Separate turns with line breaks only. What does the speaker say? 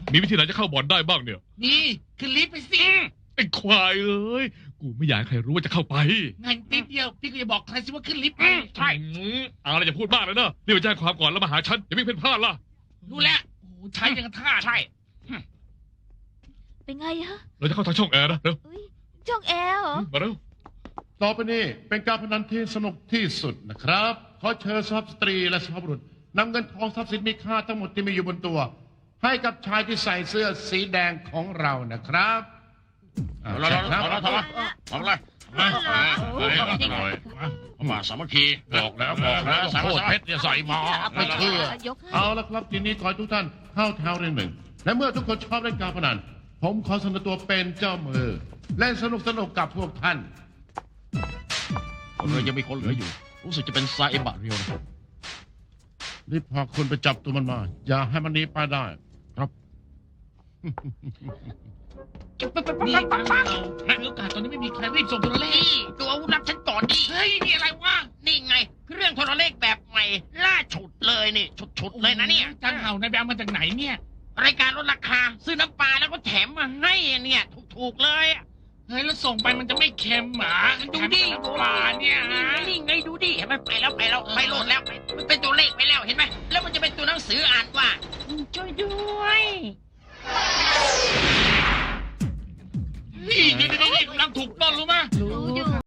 มีวิธีไหนจะเข้าบ่อนได้บ้างเนี่ย
นี่ขึ้นลิฟต์ไปสิ
ไอ้ควายเอ้ยกูไม่อยากให้ใครรู้ว่าจะเข้าไป
งั้นนิดเดียวพี่ก็จะบอกใครสิว่าขึ้นลิฟต์ไป
ใช่
อะไรอย่าพูดมากเลยนะรีบไปแจ้งความก่อนแล้วมาหาฉันอย่าวิ่งเพ่นพลาดล่ะ
รู้แล้วโอ้โหใช้ยังกระท่า
ใช่
เป็นไงฮะ
เราจะเข้าทางช่องแอร์นะเร็ว
เอ้ยช่องแอร์เหรอ
มาเร็ว
ต่อไปนี้เป็นการพนันที่สนุกที่สุดนะครับ ขอเชิญสุภาพสตรีและสุภาพบุรุษนำเงินทองทรัพย์สินมีค่าทั้งหมดที่มีอยู่บนตัว ให้กับชายที่ใส่เสื้อสีแดงของเรานะครับอ่า
เรา
ใช่ครับ
ทำอะไรมาสามัคคีบอกแล้วโคตรเพชรจะใส่มา
ไม่เชื่อ
ยกให้
เอาละครับทีนี้ขอให้ทุกท่านเข้าแถวเรียงหนึ่ง และเมื่อทุกคนชอบเล่นการพนัน ผมขอเสนอตัวเป็นเจ้ามือ เล่นสนุกกับพวกท่าน
เรายังมีคนเหลืออยู่ รู้สึกจะเป็นซาเอบะเรียวนะ
รีบพาคุณไปจับตัวมันมา อย่าให้มันหนีไปได้
นี่ฟังเรามีโอกาสตอนนี้ไม่มีใครรีบส่งโทรเลข
นี่ดูอาวุธลับฉันก่อนดิ
เฮ้ยนี่อะไรวะ
นี่ไงเครื่องโทรเลขแบบใหม่ ล่าฉุดเลยนี่ฉุดเลยนะเนี่ย
จังเห่านายแบมมาจากไหนเนี่ย
รายการลดราคา ซื้อน้ำปลาแล้วก็แถมมาให้เนี่ยถูกๆเลยอะ
เฮ้ยแล้วส่งไปมันจะไม่เค็มหรอดูดิปลาเนี่ย
นี่ไงดูดิเห็นไหมไปแล้วไปโหลดแล้วมันเป็นตัวเลขไปแล้วเห็นไหมแล้วมัน